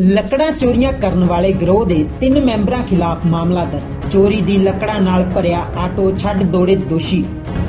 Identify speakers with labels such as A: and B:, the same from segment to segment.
A: ਲੱਕੜਾਂ ਚੋਰੀਆਂ ਕਰਨ ਵਾਲੇ ਗਿਰੋਹ ਦੇ 3 ਮੈਂਬਰਾਂ ਖਿਲਾਫ ਮਾਮਲਾ ਦਰਜ। ਚੋਰੀ ਦੀ ਲੱਕੜਾਂ ਨਾਲ ਭਰਿਆ ਆਟੋ ਛੱਡ ਦੌੜੇ ਦੋਸ਼ੀ।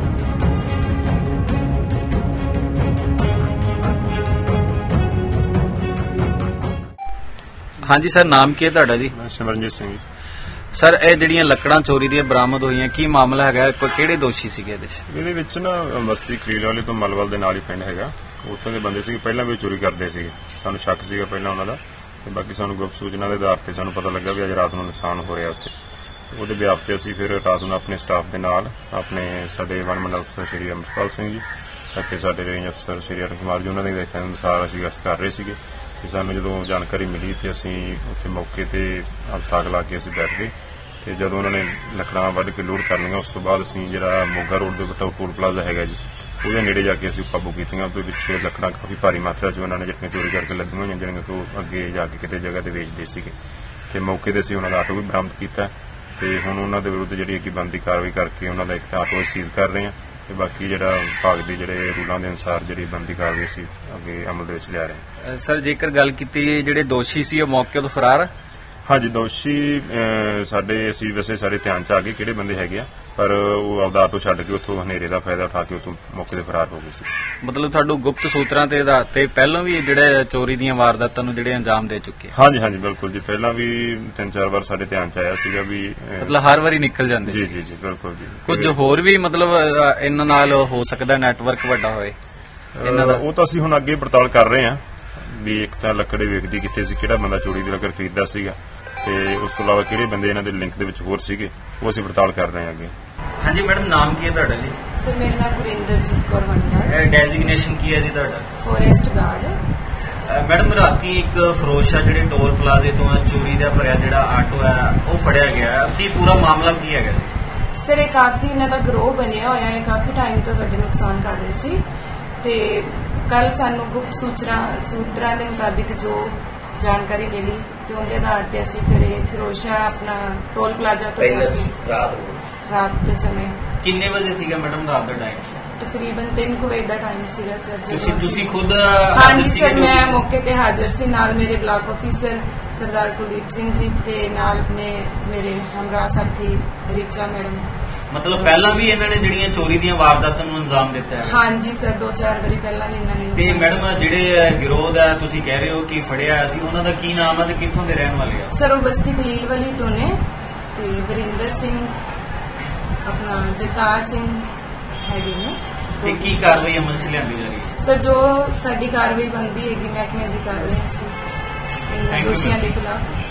B: ਹਾਂਜੀ ਸਰ, ਨਾਮ ਕੀ ਹੈ ਤੁਹਾਡਾ ਜੀ?
C: ਮੈਂ ਸਿਮਰਨਜੀਤ ਸਿੰਘ ਜੀ।
B: ਸਰ, ਇਹ ਜਿਹੜੀਆਂ ਲੱਕੜਾਂ ਚੋਰੀ ਦੀਆਂ ਬਰਾਮਦ ਹੋਈਆਂ, ਕੀ ਮਾਮਲਾ ਹੈਗਾ? ਕਿਹੜੇ ਦੋਸ਼ੀ ਸੀਗੇ
C: ਇਹਦੇ ਵਿੱਚ ਨਾ ਬਸਤੀ ਖਲੀਲ ਵਾਲੇ ਤੋਂ ਮਲਵਲ ਦੇ ਨਾਲ ਹੀ ਪਿੰਡ ਹੈਗਾ, ਉੱਥੋਂ ਦੇ ਬੰਦੇ ਸੀਗੇ। ਪਹਿਲਾਂ ਵੀ ਚੋਰੀ ਕਰਦੇ ਸੀਗੇ, ਸਾਨੂੰ ਸ਼ੱਕ ਸੀਗਾ ਪਹਿਲਾਂ ਉਹਨਾਂ ਦਾ, ਤੇ ਬਾਕੀ ਸਾਨੂੰ ਗੁਪਤ ਸੂਚਨਾ ਦੇ ਆਧਾਰ ਤੇ ਸਾਨੂੰ ਪਤਾ ਲੱਗਾ ਵੀ ਅੱਜ ਰਾਤ ਨੂੰ ਨੁਕਸਾਨ ਹੋ ਰਿਹਾ ਉੱਥੇ। ਉਹਦੇ ਵਿਆਪ ਤੇ ਅਸੀਂ ਫਿਰ ਰਾਤ ਨੂੰ ਆਪਣੇ ਸਟਾਫ ਦੇ ਨਾਲ ਆਪਣੇ ਸਾਡੇ ਵਨ ਮੰਡਲ ਅਫਸਰ ਸ਼੍ਰੀ ਅਮਰਪਾਲ ਸਿੰਘ ਜੀ ਅਤੇ ਸਾਡੇ ਰੇਂਜ ਅਫਸਰ ਸ਼੍ਰੀ ਅਰੁਣ ਕੁਮਾਰ ਜੀ, ਉਹਨਾਂ ਦੇ ਦੇਖਣ ਅਨੁਸਾਰ ਅਸੀਂ ਗਸ਼ਤ ਕਰ ਰਹੇ ਸੀਗੇ। ਤੇ ਸਾਨੂੰ ਜਦੋਂ ਜਾਣਕਾਰੀ ਮਿਲੀ ਤੇ ਅਸੀਂ ਉੱਥੇ ਮੌਕੇ ਤੇ ਤਾਕ ਲਾ ਕੇ ਅਸੀਂ ਬੈਠ ਗਏ। ਤੇ ਜਦੋਂ ਉਹਨਾਂ ਨੇ ਲੱਕੜਾਂ ਵੱਢ ਕੇ ਲੋਡ ਕਰ ਲਈਆਂ, ਉਸ ਤੋਂ ਬਾਅਦ ਅਸੀਂ ਜਿਹੜਾ ਮੋਗਾ ਰੋਡ ਦੇ ਉੱਤੇ ਟੋਲ ਪਲਾਜ਼ਾ ਹੈਗਾ ਜੀ, ਉਹਦੇ ਨੇੜੇ ਜਾ ਕੇ ਅਸੀਂ ਕਾਬੂ ਕੀਤੀਆਂ। ਉਹਦੇ ਵਿੱਚ ਲੱਕੜਾਂ ਕਾਫੀ ਭਾਰੀ ਮਾਤਰਾ 'ਚ ਉਹਨਾਂ ਨੇ ਜਿਹੜੀਆਂ ਚੋਰੀ ਕਰਕੇ ਲੱਗੀਆਂ ਹੋਈਆਂ, ਜਿਹੜੀਆਂ ਕਿ ਉਹ ਅੱਗੇ ਜਾ ਕੇ ਕਿਤੇ ਜਗ੍ਹਾ ਤੇ ਵੇਚਦੇ ਸੀਗੇ। ਤੇ ਮੌਕੇ ਤੇ ਅਸੀਂ ਉਹਨਾਂ ਦਾ ਆਟੋ ਵੀ ਬਰਾਮਦ ਕੀਤਾ ਤੇ ਹੁਣ ਉਹਨਾਂ ਦੇ ਵਿਰੁੱਧ ਜਿਹੜੀ ਅੱਗੇ ਬਣਦੀ ਕਾਰਵਾਈ ਕਰਕੇ ਉਹਨਾਂ ਦਾ ਇੱਕ ਆਟੋ ਸੀਜ਼ ਕਰ ਰਹੇ ਹਾਂ ਤੇ ਬਾਕੀ ਜਿਹੜਾ ਵਿਭਾਗ ਦੇ ਜਿਹੜੇ ਰੂਲਾਂ ਦੇ ਅਨੁਸਾਰ ਜਿਹੜੀ ਬਣਦੀ ਕਾਰਵਾਈ ਅਸੀਂ ਅੱਗੇ ਅਮਲ ਦੇ ਵਿੱਚ ਲਿਆ ਰਹੇ ਹਾਂ।
B: ਸਰ, ਜੇਕਰ ਗੱਲ ਕੀਤੀ ਜਿਹੜੇ ਦੋਸ਼ੀ ਸੀ ਉਹ ਮੌਕੇ ਤੋਂ ਫਰਾਰ?
C: ਹਾਂਜੀ, ਦੋਸ਼ੀ ਸਾਡੇ ਅਸੀਂ ਵੈਸੇ ਸਾਡੇ ਧਿਆਨ 'ਚ ਆ ਗਏ ਕਿਹੜੇ ਬੰਦੇ ਹੈਗੇ ਆ, ਪਰ ਉਹ ਆਪਦਾ ਆਟੋ ਛੱਡ ਕੇ ਉੱਥੋਂ ਹਨੇਰੇ ਦਾ ਫਾਇਦਾ ਉਠਾ ਕੇ ਉੱਥੋਂ ਮੌਕੇ ਤੇ ਫਰਾਰ ਹੋ ਗਏ ਸੀ।
B: ਮਤਲਬ ਤੁਹਾਨੂੰ ਗੁਪਤ ਸੂਤਰਾਂ ਤੇ ਆਧਾਰ ਤੇ ਪਹਿਲਾਂ ਵੀ ਜਿਹੜੇ ਚੋਰੀ ਦੀਆਂ ਵਾਰਦਾਤਾਂ ਨੂੰ ਜਿਹੜੇ ਅੰਜਾਮ ਦੇ ਚੁੱਕੇ?
C: ਹਾਂਜੀ ਹਾਂਜੀ, ਬਿਲਕੁਲ ਜੀ। ਪਹਿਲਾਂ ਵੀ 3-4 ਵਾਰ ਸਾਡੇ ਧਿਆਨ 'ਚ ਆਇਆ ਸੀਗਾ ਵੀ
B: ਮਤਲਬ ਹਰ ਵਾਰੀ ਨਿਕਲ ਜਾਂਦੇ?
C: ਜੀ ਜੀ ਜੀ, ਬਿਲਕੁਲ ਜੀ।
B: ਕੁਝ ਹੋਰ ਵੀ ਮਤਲਬ ਇਹਨਾਂ ਨਾਲ ਹੋ ਸਕਦਾ ਨੈਟਵਰਕ ਵੱਡਾ ਹੋਏ ਇਹਨਾਂ ਦਾ?
C: ਉਹ ਤਾਂ ਅਸੀਂ ਹੁਣ ਅੱਗੇ ਪੜਤਾਲ ਕਰ ਰਹੇ ਹਾਂ ਵੀ ਇੱਕ ਤਾਂ ਲੱਕੜੇ ਵੇਖਦੀ ਕਿੱਥੇ ਸੀ, ਕਿਹੜਾ ਬੰਦਾ ਚੋਰੀ ਦੀ ਲੱਕੜ ਖਰੀਦਦਾ ਸੀਗਾ, ਤੇ ਉਸ ਤੋਂ ਇਲਾਵਾ ਕਿਹੜੇ ਬੰਦੇ ਇਹਨਾਂ ਦੇ ਲਿੰਕ ਦੇ ਵਿੱਚ ਹੋਰ ਸੀਗੇ, ਉਹ ਅਸੀਂ ਪੜਤਾਲ ਕਰ ਰਹੇ ਹਾਂ ਅੱਗੇ।
B: ਹਾਂਜੀ ਮੈਡਮ, ਨਾਮ ਕੀ ਹੈ ਤੁਹਾਡਾ ਜੀ?
D: ਸਰ, ਮੇਰਾ ਨਾਮ ਗੁਰਿੰਦਰਜੀਤ ਕੌਰ ਵੰਡਰ।
B: ਡੈਜ਼ਿਗਨੇਸ਼ਨ ਕੀ ਹੈ ਜੀ ਤੁਹਾਡਾ?
D: Forest guard.
B: ਮੈਡਮ, ਰਾਤੀ ਇੱਕ ਫਰੋਸ਼ਾ ਜਿਹੜੇ ਟੋਲ ਪਲਾਜ਼ੇ ਤੋਂ ਚੋਰੀ ਦਾ ਭਰਿਆ ਜਿਹੜਾ ਆਟੋ ਹੈ ਉਹ ਫੜਿਆ ਗਿਆ, ਕੀ ਪੂਰਾ ਮਾਮਲਾ ਕੀ ਹੈਗਾ ਜੀ?
D: ਸਰ, ਇਹ ਕਾਫੀ ਇਹਨਾਂ ਦਾ ਗਰੋਹ ਬਣਿਆ ਹੋਇਆ ਹੈ, ਕਾਫੀ ਟਾਈਮ ਤੋਂ ਸਾਡੇ ਨੁਕਸਾਨ ਕਰ ਰਹੇ ਸੀ ਤੇ ਕੱਲ ਸਾਨੂੰ ਗੁਪਤ ਸੂਤਰਾਂ ਦੇ ਮੁਤਾਬਿਕ ਜੋ ਜਾਣਕਾਰੀ ਮਿਲੀ ਤੇ ਉਹਦੇ ਆਧਾਰ ਤੇ ਅਸੀਂ ਫਿਰ ਇਹ ਫਰੋਸ਼ਾ ਆਪਣਾ ਟੋਲ ਪਲਾਜ਼ਾ ਤੋਂ ਜਾ ਕੇ ਰਾਤ ਦੇ ਸਮੇਂ।
B: ਕਿੰਨੇ ਵਜੇ ਸੀਗਾ ਮੈਡਮ ਰਾਤ ਦਾ ਟਾਈਮ?
D: ਤਕਰੀਬਨ 3 ਵਜੇ ਦਾ ਟਾਈਮ ਸੀਗਾ ਸਰ।
B: ਤੁਸੀਂ ਖੁਦ?
D: ਹਾਂਜੀ ਸਰ, ਮੈਂ ਮੌਕੇ ਤੇ ਹਾਜ਼ਰ ਸੀ, ਨਾਲ ਮੇਰੇ ਬਲਾਕ ਆਫੀਸਰ ਸਰਦਾਰ ਕੁਲਦੀਪ ਸਿੰਘ ਜੀ ਤੇ ਨਾਲ ਆਪਣੇ ਮੇਰੇ ਹਮਰਾਹ ਸਾਥੀ ਰਿਚਾ ਮੈਡਮ।
B: ਮਤਲਬ ਪਹਿਲਾਂ ਵੀ ਇਹਨਾਂ ਨੇ ਜਿਹੜੀਆਂ ਚੋਰੀ ਦੀਆਂ ਵਾਰਦਾਤਾਂ ਨੂੰ ਅੰਜਾਮ ਦਿੱਤਾ ਹੈ?
D: ਹਾਂਜੀ ਸਰ, 2-4 ਵਾਰੀ ਪਹਿਲਾਂ ਵੀ ਇਹਨਾਂ ਨੇ।
B: ਤੇ ਮੈਡਮ, ਜਿਹੜੇ ਗਿਰੋਹ ਦਾ ਤੁਸੀਂ ਕਹਿ ਰਹੇ ਹੋ ਕਿ ਫੜਿਆ ਸੀ, ਉਹਨਾਂ ਦਾ ਕੀ ਨਾਮ ਹੈ ਤੇ ਕਿੱਥੋਂ ਦੇ ਰਹਿਣ ਵਾਲੇ ਆ?
D: ਸਰ, ਉਹ ਬਸਤੀ ਖਲੀਲ ਵਾਲੀ ਤੋਂ ਨੇ ਤੇ ਵਰਿੰਦਰ ਸਿੰਘ, ਆਪਣਾ ਜਗਤਾਰ ਸਿੰਘ ਹੈਗੇ ਨੇ।
B: ਤੇ ਕੀ ਕਾਰਵਾਈ ਅਮਲ 'ਚ ਲਿਆਂਦੀ ਜਾ ਰਹੀ ਹੈ?
D: ਸਰ, ਜੋ ਸਾਡੀ ਕਾਰਵਾਈ ਬਣਦੀ ਹੈਗੀ ਮਹਿਕਮੇ ਦੀ ਕਾਰਵਾਈ ਸੀ ਇਹਨਾਂ ਦੋਸ਼ੀਆਂ ਦੇ ਖਿਲਾਫ।